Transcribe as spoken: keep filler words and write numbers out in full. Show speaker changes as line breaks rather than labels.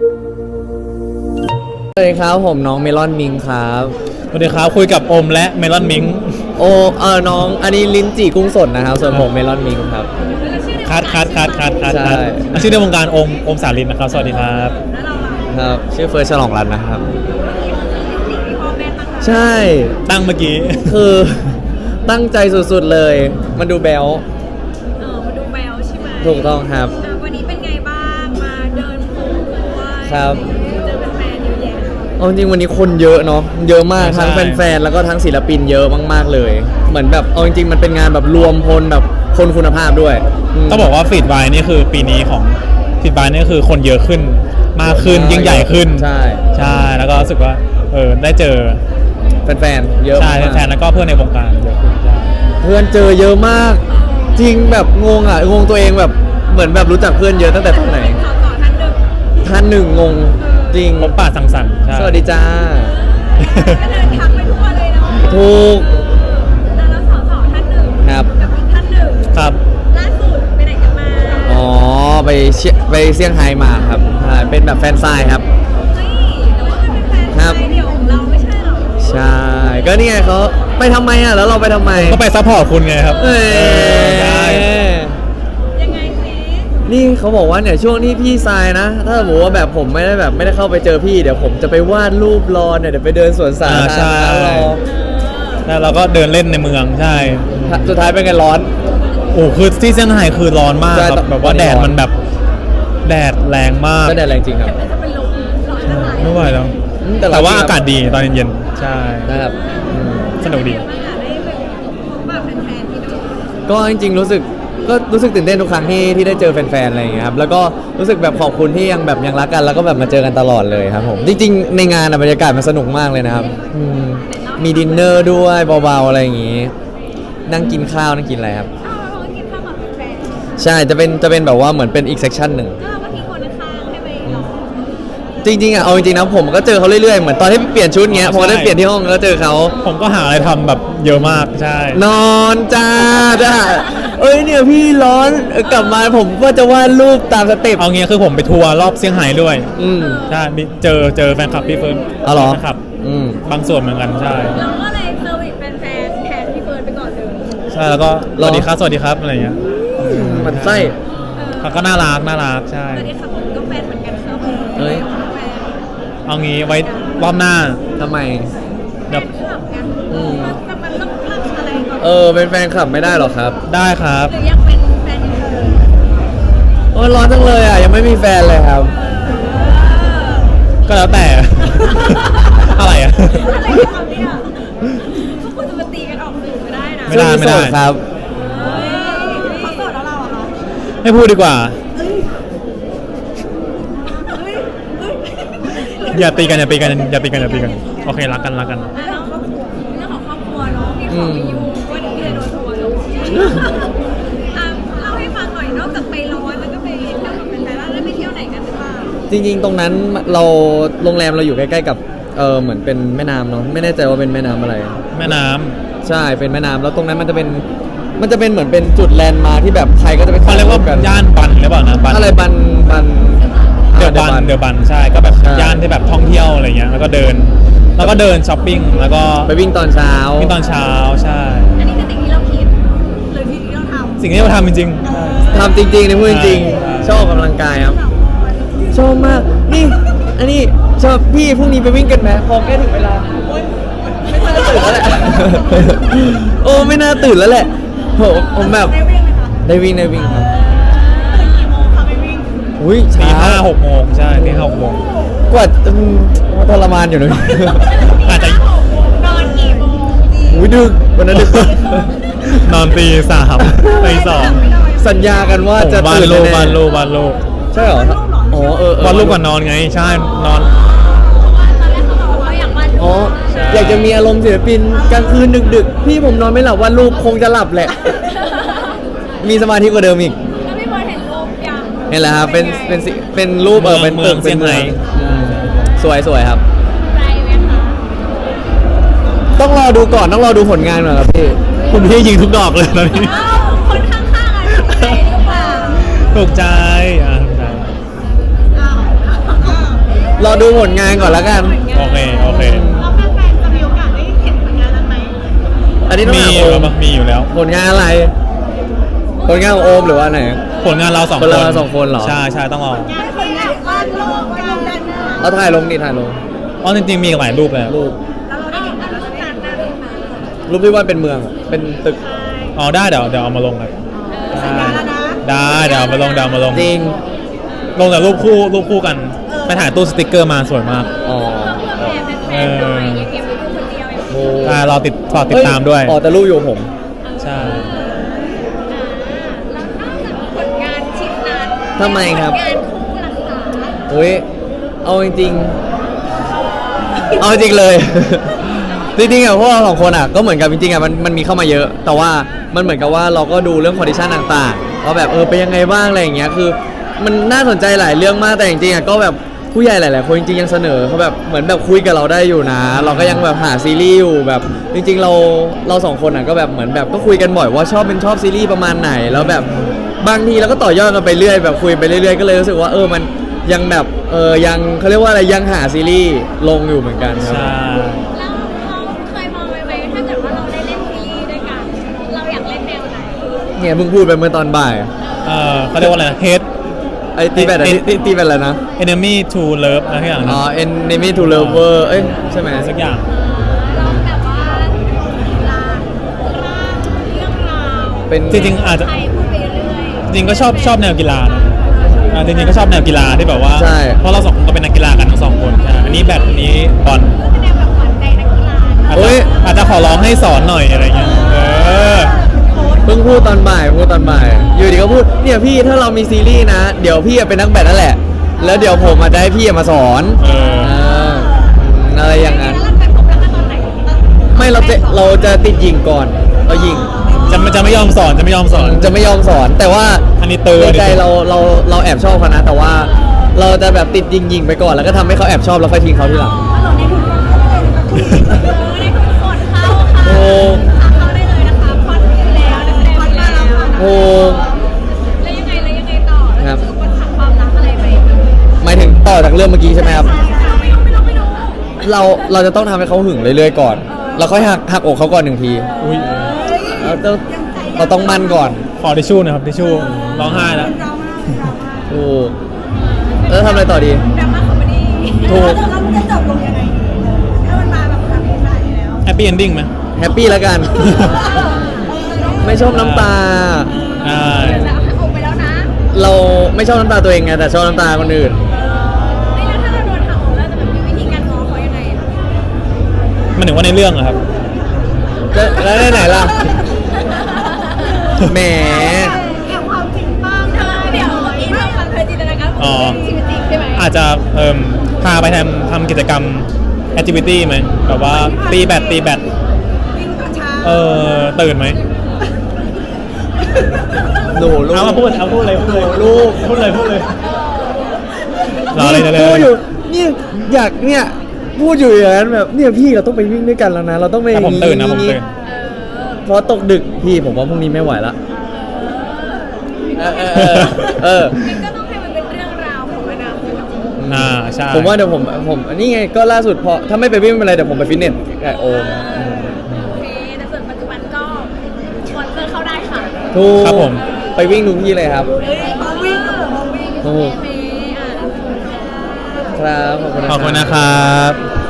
สวัสดีครับผมน้องเมลอนมิงครับ
สวัสดีครับคุยกับอมและเมลอนมิง
โอเออน้องอันนี้ลิ้นจี่กุ้งสดนะครับส่วนผมเมลอนมิงครับ
คัดคัดคัดคัดคัดคัดชื่อในวงการอมอมสาลินนะครับสวัสดีครับ
ครับชื่อเฟิร์สฉลองรัตน์นะครับใช่
ตั้งเมื่อกี้
คือตั้งใจสุดๆเลยมันดูแบล
เออมาดูแบลใช่ไหม
ถูกต้องครับ
วันนี้เป็นไงบ้างมาเดินปูด้วย
ครับ
เจอแฟนๆเยอะแยะ
เอาจริงวันนี้คนเยอะเนาะเยอะมากทั้งแฟนๆแล้วก็ทั้งศิลปินเยอะมากๆเลยเหมือนแบบเอาจริงๆมันเป็นงานแบบรวมพลแบบคนคุณภาพด้วย
ต้องบอกว่าฟีดไวนี่คือปีนี้ของฟีดไวนี่คือคนเยอะขึ้นมากขึ้นยิ่งใหญ่ขึ้น
ใช่
ใช่แล้วก็รู้สึกว่าเออได้เจอ
แฟนๆเยอะ
ใช่แฟนๆแล้วก็เพื่อนในวงการเยอะขึ้น
เพื่อนเจอเยอะมากจริงแบบงงอ่ะงงตัวเองแบบเหมือนแบบรู้จักเพื่อนเยอะตั้งแต่ตอนไหนท่านหนึ่งงงจริง
ผมป่าสังสรรค์
สวัสดีจ้า
ก็เดินทางไปทั่วเลยเนาะ
ถูก
แล้วสาวสาวท่านหนึ่ง
ครับ
กับอีกท่านหนึ่ง
ครับ
ล่าสุดไปไหนกันมา
อ๋อไปเชียไปเซี่ยงไฮ้มาครับเป็นแบบแฟนไซน์ครับ
เฮ้ยแต่ว่ามันเป็นแฟนไซน์เดี่ยวของเราไม่ใช่หรอ
ใช่ก็นี่ไงเขาไปทำไมอ่ะแล้วเราไปทำไม
ก็ไปซัพพอร์ตคุณไงครับ
เอ้ย
ยังไงสิ
นี่เขาบอกว่าเนี่ยช่วงที่พี่ทรายนะถ้าสมมติว่าแบบผมไม่ได้แบบไม่ได้เข้าไปเจอพี่เดี๋ยวผมจะไปวาดรูปรอเนี่ยเดี๋ยวไปเดินสวนสาธารณะรอ
แล้วเราก็เดินเล่นในเมืองใช่
สุดท้ายเป็นไงร้อน
โอ้คือที่เซี่ยงไฮ้คือร้อนมากครับแบบว่าแดดมันแบบแดดแรงมาก
ก็แดดแรงจริงครับ
ไม่ไหวแล้วแต่ว่าอากาศดีตอนเย็นๆใช่
นะครับ
สนุกดี
ก็จริงๆรู้สึกก็รู้สึกตื่นเต้นทุกครั้งที่ที่ได้เจอแฟนๆอะไรอย่างเงี้ยครับแล้วก็รู้สึกแบบขอบคุณที่ยังแบบยังรักกันแล้วก็แบบมาเจอกันตลอดเลยครับผมจริงๆในงานบรรยากาศมันสนุกมากเลยนะครับมีดินเนอร์ด้วยเบาๆอะไรอย่างงี้นั่งกินข้าวนั่งกินอะไรครับใช่จะเป็นจะเป็นแบบว่าเหมือนเป็นอีกเซกชันหนึ่งจริงๆอ่ะเอาจริงๆนะผมก็เจอเขาเรื่อยๆเหมือนตอนที่เปลี่ยนชุดเงี้ยพอได้เปลี่ยนที่ห้องก็เจอเขา
ผมก็หาอะไรทำแบบเยอะมากใช่
นอนจ้าจ้าเอ้ยเนี่ยพี่ร้อนกลับมาผมก็จะวาดรูปตามสเต็ป
เอางี้คือผมไปทัวร์รอบเซี่ยงไฮ้ด้วย
อืม
ใช่เจอเจอแฟนคลับพี่เฟิร์น
อ๋อเหรอ
ครับ
อืม
บางส่วนเหมือนกันใช่
เราก็เลยเซอร์วิสแฟนแทนพี่เฟิร์นไปก่อนเลย
ใช่แล้วก็สวัสดีครับสวัสดีครับอะไรเงี้ย
มันไส้
เขาก็น่ารักน่ารักใช่
สวัสดีครับผมก็แฟนเหมือนกันครับ
เฮ้ย
เอางี้ไว้รอบหน้า
ทำไม
แบบแต่มันต้องเลือกอะไรก่อน
เออเป็นแฟนคลับไม่ได้หรอครับ
ได้ครับ
หรือยังเป็นแฟนอยู่เลย
โอ้ร้อนจังเลยอ่ะยังไม่มีแฟนเลยครับ
ก็แล้วแต่อะไรอ่ะ
อะไรของเนี่ยพวกคุณจะมาตีกันออกสื่อไม่ได้นะ
ไม่ได้ไม่ได้
ครับ
เขาโสดแล้วเราอ่ะ
ไม่พูดดีกว่าอย่าตีกันอย่าตีกันอย่าตีกันอย่าตีกันโอเครักกันรักกัน
เรื่องของครอบครัวเนาะพี่ขอไปอยู่ก็เดี๋ยวพี่จะโดนทัวร์ลงอ่ะเล่าให้ฟังหน่อยนอกจากไปร้อนแล้วก็ไปเที่ยวกับแฟนๆแล้วได้ไปเที่ยวไหนกันหรือเปล่า
จริงๆตรงนั้นเราโรงแรมเราอยู่ใกล้ๆกับเออเหมือนเป็นแม่น้ำเนาะไม่แน่ใจว่าเป็นแม่น้ำอะไร
แม่น้ำ
ใช่เป็นแม่น้ำแล้วตรงนั้นมันจะเป็นมันจะเป็นเหมือนเป็นจุดแลนด์มาที่แบบใครก็จะไป
เขาเรียกว่าย่านบันหรือเปล่านะ
บันอะไรบันบัน
เดอะบันเดอะบันใช่ก็แบบย่านที่แบบท่องเที่ยวอะไรเงี้ยแล้วก็เดินแล้วก็เดินช้อปปิ้งแล้วก็
ไปวิ่งตอนเช้า
วิ่งตอนเช้าใช่
อันนี้คือสิ่งที่เราคิดหรือสิ่งที่เราทำ
สิ่งที่เราทำจริง
ๆทำจริงๆในพูดจริงๆชอบออกกำลังกายครับชอบมากนี่อันนี้ชอบพี่พรุ่งนี้ไปวิ่งกันไหมพอใกล้ถึงเวลาไม่น่าตื่นแล้วแหละโอ้ไม่น่าตื่นแล้วแหละผมผมแบบได้วิ่งได้วิ่งครับอุ้ย
ตีห้าหกโมงใช่ตีห้าหกโมง
กว่าทรมานอยู่เลย
อาจจะ
นอนกี่โมง
อุ้ยดึกวันนั้นดึก
นอนตีสามตีสอง
สัญญากันว่าจะ
ตื่นโลวันโลวันโล
ใช่หรออ๋อเออ
วันลูกก่อนนอนไงใช่นอน
อ๋ออยากจะมีอารมณ์ศิลปินกลางคืนดึกๆพี่ผมนอนไม่หลับวันลูกคงจะหลับแหละมีสมาธิกว่าเดิมอีก
แล้วพี่บอลเห็นรูปยัง
เห็นแล้วครับเป็นเป็นเป็นรูปเออเป็นตึกเป็นเมืองสวยสวยครับ
ใจไหมคะ
ต้องรอดูก่อนต้องรอดูผลงานก่อนครับพี่
คุณพี่ยิงทุกดอกเลยตอนนี้
คนข้างๆอ่ะถูกใจหรือเปล่า
ถูกใจอ่ะถูกใจ
รอดูผลงานก่อนแล้วกัน
โอเคโอเค
แล้วแฟนๆจะมีโอกาสได้เห็นผลงานนั้นไหม
อันนี้ต้อง
มี
ถาม
อ
โอยู่
แล้ว
ม
มั้งมีอยู่แล้ว
ผลงานอะไร ผลงานของโอมหรือว่าไหน
ผลงานเราสอง
ผ
ค
ล
น
งานเราสองคนเหรอ
ใช่ใช่ต้องรอง
านคนงานวาดรูปกันดัน
เอาถ่ายลงนี่ถ่ายลง
อ๋อจริงๆมีหลายรูปเลย
รูป
แล้วเราได้เห็นเราจะได้เห็นหน้ารูปไหม
รูปที่ว่าเป็นเมืองอะเป็นตึก
อ๋อได้เดี๋ยวเดี๋ยวเอามาลงครับ
สัญญาแล้วนะ
ได้เดี๋ยวเอามาลงเดี๋ยวเอามาลง
จริง
ลงแต่รูปคู่รูปคู่กันไปถ่ายตู้สติกเกอร์มาสวยมาก
อ๋อ
แฟนๆด้วยอย่าเก็บไว้ดูคนเดียวอย่าง
โอ้
ใช่รอติดรอติดตามด้วย
อ๋อแต่รูปอยู่กับผม
ใช่
แล้วนอกจากผลงานชิ้นนั้น
ทำไมครับ
ผลงานคู่รักษา
อุ้ยเอาจริงๆ เอาจริงเลย จริงๆอะพวกเราสองคนอะก็เหมือนกับจริงๆอะมันมันมีเข้ามาเยอะ แต่ว่ามันเหมือนกับว่าเราก็ดูเรื่องคอนดิชันต่างๆว่าแบบเออเป็นยังไงบ้างอะไรอย่างเงี้ยคือ มันน่าสนใจหลายเรื่องมากแต่จริงๆอะก็แบบผู้ใหญ่หลายๆคนจริงๆยังเสนอเขาแบบเหมือนแบบคุยกับเราได้อยู่นะ เราก็ยังแบบหาซีรีส์อยู่แบบจริงๆเราเราสองคนอะก็แบบเหมือนแบบก็คุยกันบ่อยว่าชอบเป็นชอบซีรีส์ประมาณไหนแล้วแบบบางทีเราก็ต่อยอดกันไปเรื่อยแบบคุยไปเรื่อยๆก็เลยรู้สึกว่าเออมันยังแบบเออยังเขาเรียกว่าอะไรยังหาซีรีส์ลงอยู่เหมือนกันครับ
ใช่
แล้วเราเคยมองไว้ไหมถ้าเกิดว่าเราได้เล่นซีรีส์ด้วยกัน เราอยากเล่นแนวไหน
เนี่ยเพิ่งพูดไปเมื่อตอนบ่าย
เออเขาเรียกว่าอะไร hate
ไอ้ตีแบตอะ
เอ็น
ตีตีแบตอะไรนะ
enemy to love อะไรทุกอย่าง
อ๋
นะ
อ enemy to lover เอ้ยใช่ไหม
สักอย่าง
เราแบบว่าลาร่างเรื่องราว
เป็น
จริงๆอาจจะ
ใครพูดไปเรื่อย
จริงๆก็ชอบชอบแนวกีฬานะอ่าจริงๆก็ชอบแนวกีฬาที่แบบว่า
ใช่
เพราะเราสองคนก็เป็นนักกีฬากันทั้งสองคนใช่อันนี้แบดอันนี้บอล
ก็เป็นแนวแบบหวานใจนักกีฬา
อาจ
โอ้
จะ
ย
อาจจะขอร้องให้สอนหน่อยอะไรเงี้ยเออ
เพิ่งพูดตอนบ่ายพูดตอนบ่าย อยู่ดีก็พูดเนี่ยพี่ถ้าเรามีซีรีส์นะ เดี๋ยวพี่อะเป็นนักแบดนั่นแหละ แล้วเดี๋ยวผมมาได้พี่อะมาสอน
เออ
เอออะไรอย่างนั้น
แล้วเราไปพบรักกันตอนไหน
ไม่เราจะเราจะติดยิงก่อนเรายิง
จะไม่จะไม่ยอมสอนจะไม่ยอมสอน
จะไม่ยอมสอนแต่ว่า
อันนี้เตือน
ในใจเราเราเราแอบชอบเขานะ แต่ว่าเราจะแบบติดยิงยิงไปก่อนแล้วก็ทำให้เขาแอบชอบแล้วค่อยทิ้งเขาทีหลัง
เราในทุกคนเข้าเลยนะคะในทุกคนเข้าค่ะ
โอ้
เข้าได้เลยนะคะพอดอยู่แล้วนักแสดงอยู่แล้ว
โอ้
แล้วยังไงแล้วยังไงต่อ
ครับ
คือปัญหาความรักอะไรไหม
หมายถึงต่อจากเรื่องเมื่อกี้ใช่ไหมครับ
ไม่รู้ไม่รู้ไม่รู้ไม่รู้
เราเราจะต้องทำให้เขาหึงเรื่อยๆก่อน แล้วค่อยหักหักอกเขาก่อนหนึ่งที
อุ้ย
เราต้องเราต้องมั่นก่อน
ขอทิชชู่หนะครับทิชชู่ร้องไห้แล้ว
ถูกแล้วทำอะไรต่อดี
ดราม่าคอมเมดี้
ถูก
แล้วมันจะจบลงยังไงดีถ้ามันมาแบบแบบนี้ขนาดนี้แล้ว
แฮปปี้เอนดิ้งไหม
แฮปปี้แล้วกัน ไม่ชอบน้ำตา
อ่า
แล้วหักอกไปแล้วนะ
เราไม่ชอบน้ำตาตัวเองไงแต่ชอบน้ำตาคนอื่น
ไม่แล้วถ้าเราโดนหักอกแล้วจะแบบมีวิธีการง้อเขายังไงอะ
มันถึงว่าในเรื่องอะครับ
จะแล้วได้ไหนล่ะ แหม
แอบความจริงบ้างเธอเดี๋ยวเมื่อกี้เธอฟังเธอจินตนาการ
อ๋อ
ของชีวิตจริงใช่ไหม
อาจจะเอ่มพาไปทำทำกิจกรรมแอคทิวิตี้ไหมแบบว่าตีแบดตีแบด
วิ่งตอนเช้า
เออตื่นไหม
หนูลูก
เอามาพูดเอาพูดเลยพูดเลย
ลูก
พูดเลยพูดเลยรอเลยนะเล
พูดอยู่
ย
เนี่ยอยากเนี่ยพูดอยู่อย่างนั้นแบบเนี่ยพี่เราต้องไปวิ่งด้วยกันแล้วนะ เราต้องไป
แต่ผมตื่นนะผมตื่น
เพราะตกดึกพี่ผมว่าพรุ่งนี้ไม่ไหวละเออเออเออเออ
มันก็ต้องให้มันเป็นเรื่องราวของอนาคต
อ่าใช่
ผมว่าเดี๋ยวผมผมอันนี้ไงก็ล่าสุดพอถ้าไม่ไปวิ่งไม่เป็นไรเดี๋ยวผมไปฟิตเนสกับโอม
โอเคแต่ส่วนปัจจุบันก็สปอนเซอร์เข้าได้ค่ะ
ถูก
ครับผม
ไปวิ่งทุกที่เลยครับ
เอ้ยพอวิ่งก็บอกพอวิ่ง
ถูก
โอเคอ่ะ
ครับขอบคุณนะ
ขอบคุณนะครับ